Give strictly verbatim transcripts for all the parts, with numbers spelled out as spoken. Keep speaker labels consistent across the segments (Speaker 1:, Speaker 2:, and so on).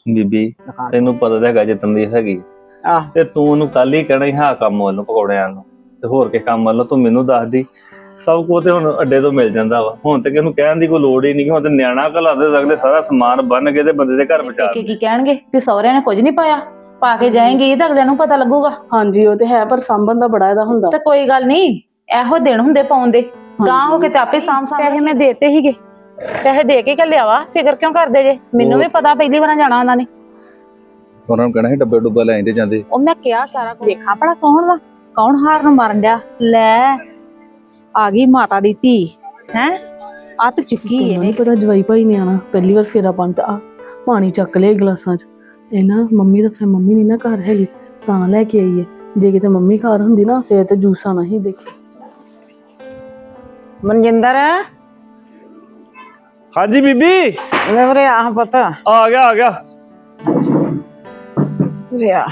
Speaker 1: ਬੀਬੀ ਤੈਨੂੰ ਪਤਾ ਤਾਂ ਹੈਗਾ ਜਿੱਦਣ ਦੀ ਹੈਗੀ
Speaker 2: ਆਹ
Speaker 1: ਤੇ ਤੂੰ ਉਹਨੂੰ ਕੱਲ ਹੀ ਕਹਿਣਾ ਸੀ ਹਾਂ ਕੰਮ ਵੱਲੋਂ ਪਕੌੜਿਆਂ ਨੂੰ ਤੇ ਹੋਰ ਕੇ ਕੰਮ ਵੱਲੋਂ ਤੂੰ ਮੈਨੂੰ ਦੱਸਦੀ। ਸਭ ਕੁਝ ਤੇ ਹੁਣ ਅੱਡੇ ਤੋਂ ਮਿਲ ਜਾਂਦਾ ਵਾ। ਹੁਣ ਤੇ ਕਿਹਨੂੰ ਕਹਿਣ ਦੀ ਕੋਈ ਲੋੜ ਹੀ ਨਹੀਂ। ਹੁਣ ਤੇ ਨਿਆਣਾ ਘਲਾ ਦੇ ਸਕਦੇ ਸਾਰਾ ਸਮਾਨ ਬੰਨ ਕੇ ਤੇ ਬੰਦੇ ਦੇ ਘਰ ਪਹੁੰਚਾ
Speaker 3: ਪੇਕੇ ਕੀ ਕਹਿਣਗੇ ਵੀ ਸਹੁਰਿਆਂ ਨੇ ਕੁਝ ਨਹੀਂ ਪਾਇਆ, ਪਾ ਕੇ ਜਾਏਂਗੀ ਤਾਂ ਅਗਲਿਆਂ ਨੂੰ ਪਤਾ ਲੱਗੂਗਾ।
Speaker 4: ਹਾਂਜੀ ਉਹ ਤੇ ਹੈ, ਪਰ ਸਾਂਭਣ ਦਾ ਬੜਾ ਇਹਦਾ ਹੁੰਦਾ।
Speaker 3: ਤੇ ਕੋਈ ਗੱਲ ਨਹੀਂ, ਇਹੋ ਦਿਨ ਹੁੰਦੇ ਪਾਉਂਦੇ ਗਾਂ ਹੋ ਕੇ ਤੇ ਆਪੇ ਸਾਂਭ ਸਾਂਭ ਪੈਸੇ ਮੈਂ ਦੇਤੇ ਸੀਗੇ, ਪੈਸੇ ਦੇ ਕੇ ਘੱਲਿਆ ਵਾ। ਫਿਕਰ ਕਿਉਂ ਕਰਦੇ ਜੇ? ਮੈਨੂੰ ਵੀ ਪਤਾ ਪਹਿਲੀ ਵਾਰ ਜਾਣਾ ਉਹਨਾਂ ਨੇ।
Speaker 5: ਉਹਨਾਂ ਨੂੰ ਕਹਿਣਾ ਸੀ ਡੱਬੇ ਡੁੱਬਾ ਲੈ ਆਂਦੇ ਜਾਂਦੇ।
Speaker 3: ਉਹ ਮੈਂ ਕਿਹਾ ਸਾਰਾ ਕੁਝ। ਵੇਖਾਂ ਭਲਾ ਕੌਣ ਵਾ, ਕੌਣ ਹਾਰ ਨੂੰ ਮਾਰਨ ਡਿਆ। ਲੈ ਆ ਗਈ ਮਾਤਾ ਦੀ ਧੀ ਹੈ, ਅੱਤ ਚੁੱਕੀ
Speaker 4: ਮੈਨੂੰ
Speaker 3: ਇਹਨੇ।
Speaker 4: ਨਹੀਂ ਪਤਾ ਜਵਾਈ ਭਾਈ ਨੇ ਆਣਾ, ਪਹਿਲੀ ਵਾਰ ਫੇਰਾ ਪਾਉਂਦਾ। ਆ ਪਾਣੀ ਚੱਕ ਲਿਆ ਗਲਾਸਾਂ 'ਚ। ਇਹ ਨਾ ਮੰਮੀ ਦਾ ਫਿਰ ਮੰਮੀ ਨਹੀਂ ਨਾ ਘਰ ਹੈਗੀ ਤਾਂ ਲੈ ਕੇ ਆਈ ਹੈ। ਜੇ ਕਿਤੇ ਮੰਮੀ ਘਰ ਹੁੰਦੀ ਨਾ ਫੇਰ ਤੇ ਜੂਸ ਆਣਾ ਹੀ ਦੇਖੀ।
Speaker 2: ਮਨਜਿੰਦਰ
Speaker 1: ਹਾਂਜੀ ਬੀਬੀ
Speaker 2: ਲੈ ਵੀਰੇ ਆਹ ਪੁੱਤ
Speaker 1: ਆ ਗਿਆ ਆ ਗਿਆ।
Speaker 2: ਵੀਰੇ ਆ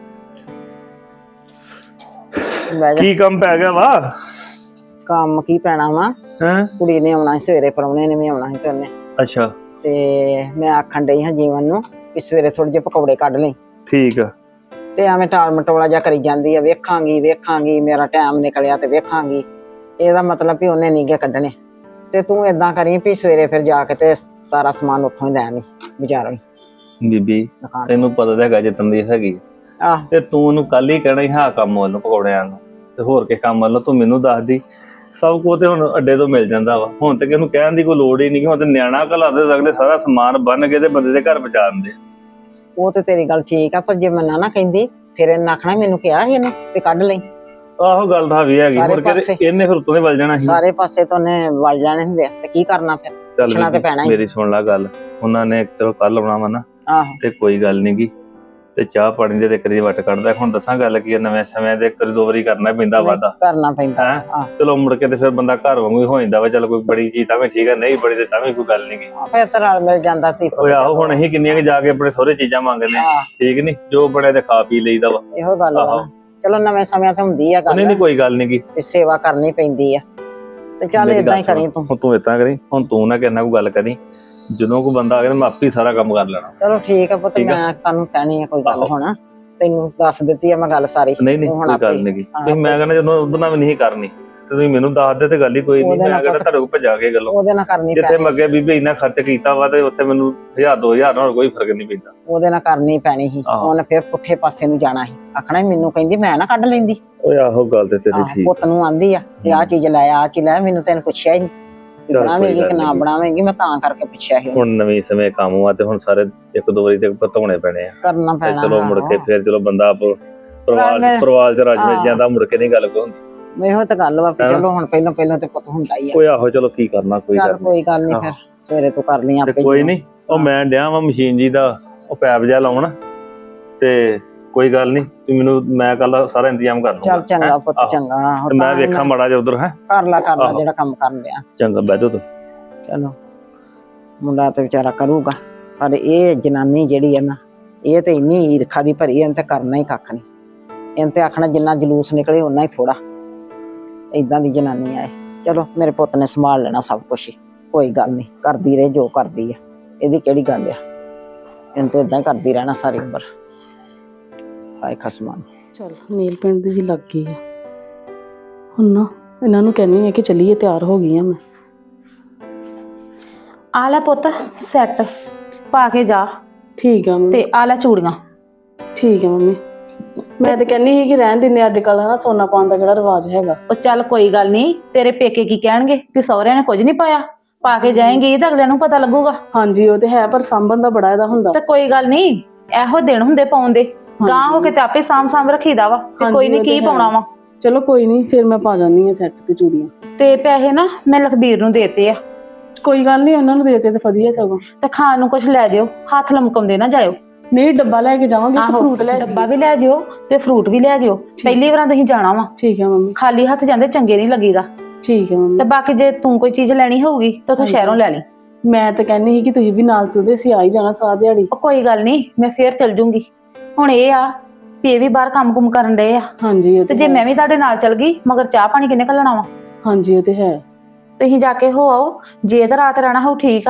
Speaker 2: ਲੈ ਜਾ।
Speaker 1: ਕੀ ਕੰਮ ਪੈ ਗਿਆ ਵਾ?
Speaker 2: ਕੰਮ ਕੀ ਪੈਣਾ ਵਾ,
Speaker 1: ਹੈ
Speaker 2: ਕੁੜੀ ਨੇ ਆਉਣਾ ਸੀ ਸਵੇਰੇ, ਪ੍ਰਾਹੁਣੇ ਨੇ ਵੀ ਆਉਣਾ ਸੀ ਤੇ ਉਹਨੇ
Speaker 1: ਅੱਛਾ
Speaker 2: ਤੇ ਮੈਂ ਆਖਣ ਡਈ ਹਾਂ ਜੀਵਨ ਨੂੰ ਵੀ ਸਵੇਰੇ ਥੋੜੇ ਜਿਹੇ ਪਕੌੜੇ ਕੱਢ ਲਈ।
Speaker 1: ਠੀਕ ਆ।
Speaker 2: ਤੇ ਐਵੇਂ ਟਾਲ ਮਟੋਲਾ ਜਿਹਾ ਕਰੀ ਜਾਂਦੀ ਆ, ਵੇਖਾਂਗੀ ਵੇਖਾਂਗੀ ਮੇਰਾ ਟਾਈਮ ਨਿਕਲਿਆ ਤੇ ਵੇਖਾਂਗੀ। ਇਹਦਾ ਮਤਲਬ ਵੀ ਉਹਨੇ ਨੀ ਗੇ ਕੱਢਣੇ। ਤੇ ਤੂੰ ਏਦਾਂ ਕਰੀ ਵੀ ਸਵੇਰੇ ਫਿਰ ਜਾ ਕੇ ਤੇ ਸਾਰਾ ਸਮਾਨ ਉੱਥੋਂ ਹੀ ਲੈ ਆਵੀਂ ਬਾਜ਼ਾਰੋਂ ਹੀ
Speaker 1: ਬੀਬੀ
Speaker 2: ਦੁਕਾਨ।
Speaker 1: ਤੈਨੂੰ ਪਤਾ ਤਾਂ ਹੈਗਾ ਜਿੱਦਣ ਦੀ ਹੈਗੀ
Speaker 2: ਆਹ
Speaker 1: ਤੇ ਤੂੰ ਉਹਨੂੰ ਕੱਲ ਹੀ ਕਹਿਣਾ ਸੀ ਹਾਂ ਕੰਮ ਵੱਲੋਂ ਪਕੌੜਿਆਂ ਨੂੰ ਤੇ ਹੋਰ ਕੇ ਕੰਮ ਵੱਲੋਂ ਤੂੰ ਮੈਨੂੰ ਦੱਸਦੀ। ਸਭ ਕੁਝ ਤੇ ਹੁਣ ਅੱਡੇ ਤੋਂ ਮਿਲ ਜਾਂਦਾ ਵਾ। ਹੁਣ ਤੇ ਕਿਹਨੂੰ ਕਹਿਣ ਦੀ ਕੋਈ ਲੋੜ ਹੀ ਨਹੀਂ। ਹੁਣ ਤੇ ਨਿਆਣਾ ਘਲਾ ਦੇ ਸਕਦੇ ਸਾਰਾ ਸਮਾਨ ਬੰਨ ਕੇ ਤੇ ਬੰਦੇ ਦੇ ਘਰ ਪਹੁੰਚਾ ਦਿੰਦੇ।
Speaker 2: ਉਹ ਤੇ ਤੇਰੀ ਗੱਲ ਠੀਕ ਆ, ਪਰ ਜੇ ਮੈਂ ਨਾ ਨਾ ਕਹਿੰਦੀ ਫਿਰ ਇਹਨੇ ਆਖਣਾ ਮੈਨੂੰ ਕਿਹਾ ਸੀ ਇਹਨੇ ਵੀ ਕੱਢ ਲਈ।
Speaker 1: ਆਹੋ ਗੱਲ ਤਾਂ ਵੀ ਹੈਗੀ।
Speaker 2: ਸਾਰੇ
Speaker 1: ਮੁੜ ਕੇ ਤੇ
Speaker 2: ਪਾਸੇ।
Speaker 1: ਇਹਨੇ ਫਿਰ ਉੱਤੋਂ ਦੇ ਵੱਲ ਜਾਣਾ ਸੀ।
Speaker 2: ਸਾਰੇ ਪਾਸੇ ਤੋਂ ਉਹਨੇ ਵਲ ਜਾਣੇ ਹੁੰਦੇ ਆ ਤੇ ਕੀ ਕਰਨਾ ਫਿਰ।
Speaker 1: ਚੱਲ
Speaker 2: ਪੁੱਛਣਾ ਤੇ ਪੈਣਾ
Speaker 1: ਬੀਬੀ,
Speaker 2: ਹੀ।
Speaker 1: ਮੇਰੀ ਸੁਣ ਲੈ ਗੱਲ। ਉਹਨਾਂ ਨੇ ਚਲੋ ਕੱਲ ਆਉਣਾ ਵਾ ਨਾ
Speaker 2: ਆਹੋ
Speaker 1: ਤੇ ਕੋਈ ਗੱਲ ਨੀ ਗੀ। ਤੇ ਚਾਹ ਪਾਣੀ ਦੇ ਤੇ ਕਰੀ ਵੱਟ ਕੱਢਦਾ। ਹੁਣ ਦੱਸਾਂ ਗੱਲ ਕੀ ਆ, ਨਵੇਂ ਸਮੇਂ ਦੇ ਕਰੀ ਦੋ ਵਾਰੀ ਕਰਨਾ ਪੈਂਦਾ ਵਾਦਾ
Speaker 2: ਕਰਨਾ ਪੈਂਦਾ।
Speaker 1: ਹੈ।
Speaker 2: ਆਹ
Speaker 1: ਚਲੋ ਮੁੜ ਕੇ ਤੇ ਫਿਰ ਬੰਦਾ ਘਰ ਵਾਂਗੂ ਹੀ ਹੋ ਜਾਂਦਾ ਵਾ। ਚੱਲ ਕੋਈ ਬੜੀ ਚੀਜ਼ ਤਾਂ ਵੀ ਠੀਕ ਆ, ਨਹੀਂ ਬੜੀ ਤੇ ਤਾਂ ਵੀ ਕੋਈ ਗੱਲ ਨੀ ਗੀ।
Speaker 2: ਫਿਰ ਤਾਂ ਰਲ ਮਿਲ ਜਾਂਦਾ ਸੀ।
Speaker 1: ਓਏ ਆਹੋ ਹੁਣ ਅਸੀਂ ਕਿੰਨੀਆਂ ਕਿ ਜਾ ਕੇ ਆਪਣੇ ਸਹੁਰੇ ਚੀਜ਼ਾਂ ਮੰਗਦੇ ਆ।
Speaker 2: ਆਹ
Speaker 1: ਠੀਕ ਨੀ, ਜੋ ਬਣਿਆ ਤੇ ਖਾ ਪੀ ਲਈਦਾ ਵਾ।
Speaker 2: ਇਹੋ ਗੱਲ ਵਾ
Speaker 1: ਆਹੋ।
Speaker 2: ਨਾ। ਚਲੋ ਨਵੇਂ ਸਮਿਆਂ ਤੇ ਹੁੰਦੀ ਆ ਗੱਲ
Speaker 1: ਨਹੀਂ ਨਹੀਂ ਕੋਈ ਗੱਲ ਨੀ ਗੀ।
Speaker 2: ਵੀ ਸੇਵਾ ਕਰਨੀ ਪੈਂਦੀ ਆ ਤੇ ਚੱਲ
Speaker 1: ਮੇਰੀ
Speaker 2: ਏਦਾਂ
Speaker 1: ਗੱਲ
Speaker 2: ਹੀ ਕਰੀ
Speaker 1: ਸੁਣ,
Speaker 2: ਤੂੰ।
Speaker 1: ਹੁਣ ਤੂੰ ਏਦਾਂ ਕਰੀ, ਹੁਣ ਤੂੰ ਨਾ ਕਿਸੇ ਨਾਲ ਕੋਈ ਗੱਲ ਕਰੀ। ਜਦੋਂ ਕੋਈ ਬੰਦਾ ਆ ਗਿਆ ਮੈਂ ਆਪੇ ਹੀ ਸਾਰਾ ਕੰਮ ਕਰ ਲੈਣਾ।
Speaker 2: ਚਲੋ ਠੀਕ ਆ ਪੁੱਤ,
Speaker 1: ਠੀਕ ਆ।
Speaker 2: ਮੈਂ ਤੁਹਾਨੂੰ ਕਹਿਣੀ ਆ ਕੋਈ ਗੱਲ
Speaker 1: ਆਹੋ।
Speaker 2: ਹੁਣ ਤੈਨੂੰ ਦੱਸ ਦਿੱਤੀ ਆ ਮੈਂ ਗੱਲ ਸਾਰੀ।
Speaker 1: ਨਹੀਂ ਨਹੀਂ
Speaker 2: ਤੂੰ ਹੁਣ
Speaker 1: ਕੋਈ
Speaker 2: ਆਪੇ
Speaker 1: ਗੱਲ ਨੀ ਗੀ।
Speaker 2: ਹਾਂ,
Speaker 1: ਤੁਸੀਂ ਮੈਂ ਕਹਿੰਦਾ ਜਦੋਂ ਉਹਦੇ ਨਾਲ ਵੀ ਨਹੀਂ ਕਰਨੀ ਤੇ ਤੁਸੀਂ ਮੈਨੂੰ ਦੱਸ ਦੇ ਤੇ ਗੱਲ ਹੀ ਕੋਈ ਨਹੀਂ।
Speaker 2: ਉਹਦੇ
Speaker 1: ਮੈਂ
Speaker 2: ਨਾਲ
Speaker 1: ਕਹਿੰਦਾ
Speaker 2: ਪੁੱਤ-
Speaker 1: ਤੁਹਾਡੇ ਕੋਲ ਭਜਾ ਕੇ ਗੱਲੋਂ
Speaker 2: ਉਹਦੇ ਨਾਲ ਕਰਨੀ
Speaker 1: ਜਿੱਥੇ
Speaker 2: ਪੈਣੀ
Speaker 1: ਮੈਂ ਅੱਗੇ ਬੀਬੀ ਇੰਨਾ ਖਰਚ ਕੀਤਾ ਵਾ ਤੇ ਉੱਥੇ ਮੈਨੂੰ ਹਜ਼ਾਰ ਦੋ ਹਜ਼ਾਰ ਨਾਲ ਕੋਈ ਫਰਕ ਨਹੀਂ ਪੈਂਦਾ।
Speaker 2: ਉਹਦੇ ਨਾਲ ਕਰਨੀ ਪੈਣੀ ਸੀ।
Speaker 1: ਆਹੋ।
Speaker 2: ਉਹਨੇ ਫਿਰ ਪੁੱਠੇ ਪਾਸੇ ਨੂੰ ਜਾਣਾ ਸੀ, ਆਖਣਾ ਸੀ ਮੈਨੂੰ ਕਹਿੰਦੀ ਮੈਂ ਨਾ ਕੱਢ ਲੈਂਦੀ।
Speaker 1: ਓਏ ਆਹੋ ਗੱਲ ਤੇ ਤੇਰੀ
Speaker 2: ਆਹ, ਪੁੱਤ ਨੂੰ ਆਂਦੀ ਆ ਤੇ ਆਹ ਚੀਜ਼ ਲੈ ਆਹ ਚੀਜ਼ ਲੈ, ਮੈਨੂੰ ਤੈਨੂੰ ਪੁੱਛਿਆ ਹੀ ਨਹੀਂ
Speaker 1: ਚੱਲ ਕੋਈ
Speaker 2: ਬਣਾਵੇਂਗੀ ਕਿ
Speaker 1: ਗੱਲ
Speaker 2: ਨਾ
Speaker 1: ਨੀ।
Speaker 2: ਬਣਾਵੇਂਗੀ, ਮੈਂ ਤਾਂ ਕਰਕੇ ਪੁੱਛਿਆ ਸੀ।
Speaker 1: ਹੁਣ ਨਵੇਂ ਸਮੇਂ ਕੰਮ ਆ ਤੇ ਹੁਣ ਸਾਰੇ ਇੱਕ ਦੋ ਵਾਰੀ ਤੇ ਧੋਣੇ ਪੈਣੇ ਆ।
Speaker 2: ਕਰਨਾ
Speaker 1: ਤੇ
Speaker 2: ਪੈਣਾ।
Speaker 1: ਚਲੋ ਮੁੜ ਕੇ
Speaker 2: ਆਹੋ।
Speaker 1: ਫਿਰ ਚਲੋ ਬੰਦਾ ਆਪ ਪਰਿਵਾਰ
Speaker 2: ਮੈਂ-
Speaker 1: ਪਰਿਵਾਰ ਚ ਰਜ ਮਿਲ
Speaker 2: ਹਾਂ।
Speaker 1: ਜਾਂਦਾ। ਮੁੜ ਕੇ ਨਹੀਂ ਗੱਲ ਕੋਈ ਹੁੰਦੀ।
Speaker 2: ਇਹੋ ਤਾਂ ਗੱਲ ਵਾ ਵੀ
Speaker 1: ਹੈਨਾ?
Speaker 2: ਚਲੋ ਹੁਣ ਪਹਿਲਾਂ ਪਹਿਲਾਂ ਤੇ ਪੁੱਤ ਹੁੰਦਾ ਹੀ ਆ।
Speaker 1: ਓਏ ਆਹੋ ਚਲੋ ਕੀ ਕਰਨਾ, ਕੋਈ
Speaker 2: ਚੱਲ
Speaker 1: ਗੱਲ ਨੀ।
Speaker 2: ਕੋਈ ਗੱਲ ਨਹੀਂ,
Speaker 1: ਆਹੋ।
Speaker 2: ਫਿਰ ਸਵੇਰੇ ਤੂੰ ਕਰ ਲਈ
Speaker 1: ਤੇ
Speaker 2: ਆਪੇ।
Speaker 1: ਕੋਈ ਨਹੀਂ, ਉਹ ਮੈਂ ਡਿਆ ਵਾ ਮਸ਼ੀਨ ਜੀ ਦਾ ਉਹ ਪੈਪ ਜਿਹਾ ਲਾਉਣ ਤੇ ਕੋਈ ਗੱਲ ਨਹੀਂ। ਤੂੰ ਮੈਨੂੰ ਮੈਂ ਕੱਲ ਸਾਰਾ ਇੰਤਜ਼ਾਮ ਕਰ ਲੂੰਗਾ।
Speaker 2: ਚੱਲ ਚੰਗਾ
Speaker 1: ਹੈਂ?
Speaker 2: ਪੁੱਤ
Speaker 1: ਆਹੋ।
Speaker 2: ਚੰਗਾ। ਆਹੋ,
Speaker 1: ਤੇ ਮੈਂ
Speaker 2: ਤਾਂ ਹੀ
Speaker 1: ਵੇਖਾਂ ਮਾੜਾ ਜਿਹਾ ਉਧਰ ਹੈ।
Speaker 2: ਕਰ ਲਾ ਕਰ ਲਾ
Speaker 1: ਆਹੋ।
Speaker 2: ਜਿਹੜਾ ਕੰਮ ਕਰਨ ਡਿਆ।
Speaker 1: ਚੰਗਾ ਬਹਿ ਜਾ ਤੂੰ।
Speaker 2: ਚਲੋ ਮੁੰਡਾ ਤੇ ਵਿਚਾਰਾ ਕਰੂਗਾ, ਪਰ ਇਹ ਜਨਾਨੀ ਜਿਹੜੀ ਹੈ ਨਾ, ਇਹ ਤੇ ਇੰਨੀ ਈਰਖਾ ਦੀ ਭਰੀ, ਇਹਨੇ ਤੇ ਕਰਨਾ ਹੀ ਕੱਖ ਨਹੀਂ। ਇਹਨੇ ਤੇ ਆਖਣਾ ਜਿੰਨਾ ਜਲੂਸ ਨਿਕਲੇ ਓਨਾ ਹੀ ਥੋੜਾ। ਏਦਾਂ ਦੀ ਜਨਾਨੀ ਆ ਇਹ। ਚਲੋ ਮੇਰੇ ਪੁੱਤ ਨੇ ਸੰਭਾਲ ਲੈਣਾ ਸਭ ਕੁਛ ਹੀ, ਕੋਈ ਗੱਲ ਨਹੀਂ। ਕਰਦੀ ਰਹੇ ਜੋ ਕਰਦੀ ਆ, ਇਹਦੀ ਕਿਹੜੀ ਗੱਲ ਆ। ਇਹਨੇ ਤੇ ਏਦਾਂ ਹੀ ਕਰਦੀ ਰਹਿਣਾ ਸਾਰੀ ਉਮਰ। ਹਾਏ ਖਸਮਾਂ ਨੂੰ।
Speaker 4: ਚਲ ਨੀਲ ਪਿੰਡ ਦੀ ਲੱਗ ਗਈ ਆ ਹੁਣ ਨਾ। ਇਹਨਾਂ ਨੂੰ ਕਹਿੰਦੀ ਆ ਕਿ ਚੱਲੀਏ, ਤਿਆਰ ਹੋ ਗਈ ਆ ਮੈਂ।
Speaker 3: ਆ ਲੈ ਪੁੱਤ ਸੈੱਟ ਪਾ ਕੇ ਜਾ
Speaker 4: ਠੀਕ ਆ ਮੰਮੀ।
Speaker 3: ਤੇ ਆ ਲੈ ਚੂੜੀਆਂ।
Speaker 4: ਠੀਕ ਆ ਮੰਮੀ। ਮੈਂ ਤਾਂ ਕਹਿੰਦੀ ਸੀ ਕਿ ਰਹਿਣ ਦਿੰਦੇ ਅੱਜ ਕੱਲ੍ਹ ਹਨਾ, ਸੋਨਾ ਪਾਉਣ ਦਾ ਕਿਹੜਾ ਰਿਵਾਜ ਹੈਗਾ।
Speaker 3: ਉਹ ਚੱਲ ਕੋਈ ਗੱਲ ਨਹੀਂ, ਤੇਰੇ ਪੇਕੇ ਕੀ ਕਹਿਣਗੇ ਵੀ ਸਹੁਰਿਆਂ ਨੇ ਕੁਝ ਨਹੀਂ ਪਾਇਆ, ਪਾ ਕੇ ਜਾਏਂਗੀ ਤਾਂ ਅਗਲਿਆਂ ਨੂੰ ਪਤਾ ਲੱਗੂਗਾ।
Speaker 4: ਹਾਂਜੀ ਉਹ ਤੇ ਹੈ, ਪਰ ਸਾਂਭਣ ਦਾ ਬੜਾ ਇਹਦਾ ਹੁੰਦਾ।
Speaker 3: ਤੇ ਕੋਈ ਗੱਲ ਨਹੀਂ, ਇਹੋ ਦਿਨ ਹੁੰਦੇ ਪਾਉਂਦੇ ਗਾਂ ਹੋ ਕੇ ਤੇ ਆਪੇ ਸਾਂਭ ਸਾਂਭ ਰੱਖੀਦਾ ਵਾ। ਤੇ ਕੋਈ ਨਹੀਂ ਕੀ ਪਾਉਣਾ ਵਾ।
Speaker 4: ਚਲੋ ਕੋਈ ਨਹੀਂ, ਫਿਰ ਮੈਂ ਪਾ ਜਾਂਦੀ ਆ ਸੈੱਟ ਤੇ ਚੂੜੀਆਂ।
Speaker 3: ਤੇ ਪੈਸੇ ਨਾ ਮੈਂ ਲਖਬੀਰ ਨੂੰ ਦੇਤੇ ਆ।
Speaker 4: ਕੋਈ ਗੱਲ ਨਹੀਂ, ਉਹਨਾਂ ਨੂੰ ਦੇਤੇ ਤੇ ਵਧੀਆ ਸਗੋਂ।
Speaker 3: ਤੇ ਖਾਣ ਨੂੰ ਕੁਝ ਲੈ ਜਿਓ, ਹੱਥ ਲਮਕਾਉਂਦੇ ਨਾ ਜਾਇਓ।
Speaker 4: ਨਹੀਂ ਡੱਬਾ ਲੈ ਕੇ ਜਾਵਾਂਗੇ,
Speaker 3: ਆਹੋ
Speaker 4: ਫਰੂਟ ਲੈ
Speaker 3: ਡੱਬਾ ਵੀ ਲੈ ਜਿਓ ਤੇ ਫਰੂਟ ਵੀ ਲੈ ਜਿਓ। ਪਹਿਲੀ ਵਾਰ ਤੁਸੀਂ ਜਾਣਾ ਵਾ,
Speaker 4: ਠੀਕ ਹੈ ਮੰਮੀ।
Speaker 3: ਖਾਲੀ ਹੱਥ ਜਾਂਦੇ ਚੰਗੇ ਨਹੀਂ ਲੱਗੀਦਾ।
Speaker 4: ਠੀਕ ਹੈ ਮੰਮੀ।
Speaker 3: ਤੇ ਬਾਕੀ ਜੇ ਤੂੰ ਕੋਈ ਚੀਜ਼ ਲੈਣੀ ਹੋਊਗੀ ਤਾਂ ਤੂੰ ਸ਼ਹਿਰੋਂ ਲੈ ਲਈ।
Speaker 4: ਮੈਂ ਤਾਂ ਕਹਿੰਦੀ ਸੀ ਕਿ ਤੁਸੀਂ ਵੀ ਨਾਲ ਚਲਦੇ ਸੀ, ਆ ਹੀ ਜਾਣਾ ਸਾਰਾ ਦਿਹਾੜੀ।
Speaker 3: ਉਹ ਕੋਈ ਗੱਲ ਨਹੀਂ, ਮੈਂ ਫੇਰ ਚਲ ਜੂੰਗੀ। ਹੁਣ ਇਹ ਆ ਵੀ ਇਹ ਵੀ ਬਾਹਰ ਕੰਮ ਕੁਮ ਕਰਨ ਡਏ ਆ।
Speaker 4: ਹਾਂਜੀ ਉਹ
Speaker 3: ਤੇ
Speaker 4: ਤੇ
Speaker 3: ਜੇ
Speaker 4: ਹੈ।
Speaker 3: ਮੈਂ ਵੀ ਤੁਹਾਡੇ ਨਾਲ ਚਲ ਗਈ ਮਗਰ ਚਾਹ ਪਾਣੀ ਕਿੰਨੇ ਘੱਲਣਾ ਵਾ।
Speaker 4: ਹਾਂਜੀ ਉਹ ਤੇ ਹੈ।
Speaker 3: ਤੁਸੀਂ ਜਾ ਕੇ ਹੋ ਆਓ, ਜੇ ਤਾਂ ਰਾਤ ਰਹਿਣਾ ਹੋਊ ਠੀਕ ਆ,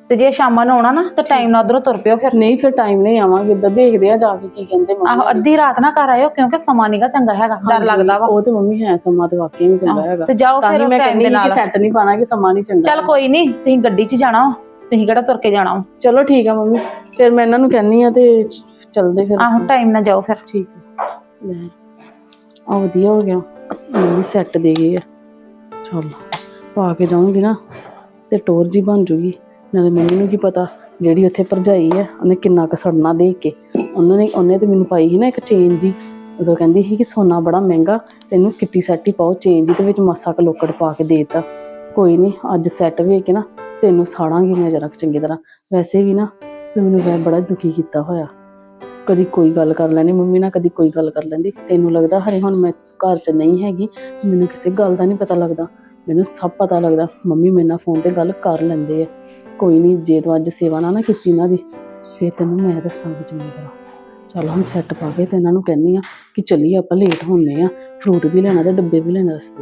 Speaker 3: ਤੇ ਜੇ ਸ਼ਾਮਾਂ ਨੂੰ ਆਉਣਾ ਨਾ ਤੇ ਟਾਈਮ ਨਾਲ ਉਧਰੋਂ ਤੁਰ ਪਿਓ ਫਿਰ।
Speaker 4: ਨਹੀਂ ਫਿਰ ਟਾਈਮ ਨਹੀਂ ਆਵਾਂਗੇ, ਇੱਦਾਂ ਦੇਖਦੇ ਆ ਜਾ ਕੇ ਕੀ ਕਹਿੰਦੇ ਮੰਮੀ।
Speaker 3: ਆਹੋ ਅੱਧੀ ਰਾਤ ਨਾ ਘਰ ਆਇਓ ਕਿਉਂਕਿ ਸਮਾਂ ਨੀਗਾ ਚੰਗਾ ਹੈਗਾ, ਡਰ
Speaker 4: ਹਾਂਜੀ,
Speaker 3: ਲੱਗਦਾ ਵਾ।
Speaker 4: ਉਹ ਤੇ ਮੰਮੀ ਹੈ, ਸਮਾਂ ਤੇ ਵਾਕਈ ਨਹੀਂ ਚੰਗਾ ਹੈਗਾ।
Speaker 3: ਤੇ ਜਾਓ
Speaker 4: ਤਾਂ ਹੀ
Speaker 3: ਫਿਰ
Speaker 4: ਮੈਂ
Speaker 3: ਟਾਈਮ
Speaker 4: ਕਹਿੰਦੀ
Speaker 3: ਦੇ
Speaker 4: ਕਿ
Speaker 3: ਨਾਲ।
Speaker 4: ਸੈੱਟ ਨਹੀਂ ਪਾਣਾ ਕਿ ਸਮਾਂ ਨਹੀਂ ਚੰਗਾ।
Speaker 3: ਚੱਲ ਕੋਈ ਨਹੀਂ, ਤੁਸੀਂ ਗੱਡੀ 'ਚ ਜਾਣਾ ਵਾ, ਤੁਸੀਂ ਕਿਹੜਾ ਤੁਰ ਕੇ ਜਾਣਾ ਵਾ।
Speaker 4: ਚਲੋ ਠੀਕ ਆ ਮੰਮੀ, ਫਿਰ ਮੈਂ ਇਹਨਾਂ ਨੂੰ ਕਹਿੰਨੀ ਆ ਤੇ ਚੱਲਦੇ ਫਿਰ
Speaker 3: ਆਹੋ
Speaker 4: ਅਸੀਂ।
Speaker 3: ਟਾਈਮ ਨਾਲ ਜਾਓ ਫਿਰ।
Speaker 4: ਠੀਕ ਆ ਲੈ ਆ ਵਧੀਆ ਹੋ ਗਿਆ, ਮੰਮੀ ਸੈੱਟ ਦੇ ਗਈ ਆ। ਚੱਲ ਪਾ ਕੇ ਜਾਊਂਗੀ ਨਾ ਤੇ ਟੋਰ ਜੀ ਬਣ ਜੂਗੀ। ਨਾਲੇ ਮੰਮੀ ਨੂੰ ਕੀ ਪਤਾ ਜਿਹੜੀ ਉੱਥੇ ਭਰਜਾਈ ਆ ਉਹਨੇ ਕਿੰਨਾ ਕੁ ਸੜਨਾ ਦੇਖ ਕੇ। ਉਹਨਾਂ ਨੇ ਉਹਨੇ ਤੇ ਮੈਨੂੰ ਪਾਈ ਸੀ ਨਾ ਇੱਕ ਚੇਨ ਦੀ, ਉਦੋਂ ਕਹਿੰਦੀ ਸੀ ਕਿ ਸੋਨਾ ਬੜਾ ਮਹਿੰਗਾ, ਤੈਨੂੰ ਕਿੱਟੀ ਸੈੱਟ ਹੀ ਪਾਓ ਚੇਨ ਦੀ, ਤੇ ਵਿੱਚ ਮਾਸਾ ਕੁ ਲੋਕੜ ਪਾ ਕੇ ਦੇ ਦਿੱਤਾ। ਕੋਈ ਨਹੀਂ ਅੱਜ ਸੈੱਟ ਵੇਖ ਕੇ ਨਾ ਤੈਨੂੰ ਸਾੜਾਂਗੀ ਮੈਂ ਜਰਾ ਚੰਗੀ ਤਰ੍ਹਾਂ। ਵੈਸੇ ਵੀ ਨਾ ਮੈਨੂੰ ਵੈ ਬੜਾ ਦੁਖੀ ਕੀਤਾ ਹੋਇਆ, ਕਦੀ ਕੋਈ ਗੱਲ ਕਰ ਲੈਣੀ ਮੰਮੀ ਨਾਲ, ਕਦੀ ਕੋਈ ਗੱਲ ਕਰ ਲੈਂਦੀ। ਤੈਨੂੰ ਲੱਗਦਾ ਹਰੇ ਹੁਣ ਮੈਂ ਘਰ 'ਚ ਨਹੀਂ ਹੈਗੀ, ਮੈਨੂੰ ਕਿਸੇ ਗੱਲ ਦਾ ਨਹੀਂ ਪਤਾ ਲੱਗਦਾ, ਮੈਨੂੰ ਸਭ ਪਤਾ ਲੱਗਦਾ। ਮੰਮੀ ਮੇਰੇ ਨਾਲ ਫੋਨ 'ਤੇ ਗੱਲ ਕਰ ਲੈਂਦੇ ਆ। ਕੋਈ ਨਹੀਂ ਜੇ ਤੂੰ ਅੱਜ ਸੇਵਾ ਨਾ ਨਾ ਕੀਤੀ ਇਹਨਾਂ ਦੀ ਫਿਰ ਤੈਨੂੰ ਮੈਂ ਦੱਸਾਂਗੀ ਚੰਗੀ ਤਰ੍ਹਾਂ। ਚੱਲ ਹੁਣ ਸੈੱਟ ਪਾ ਕੇ ਤੇ ਇਹਨਾਂ ਨੂੰ ਕਹਿੰਦੀ ਆ ਕਿ ਚੱਲੀਏ ਆਪਾਂ ਲੇਟ ਹੁੰਦੇ ਆ, ਫਰੂਟ ਵੀ ਲੈਣਾ ਤੇ ਡੱਬੇ ਵੀ ਲੈਣਾ ਰਸਤੇ।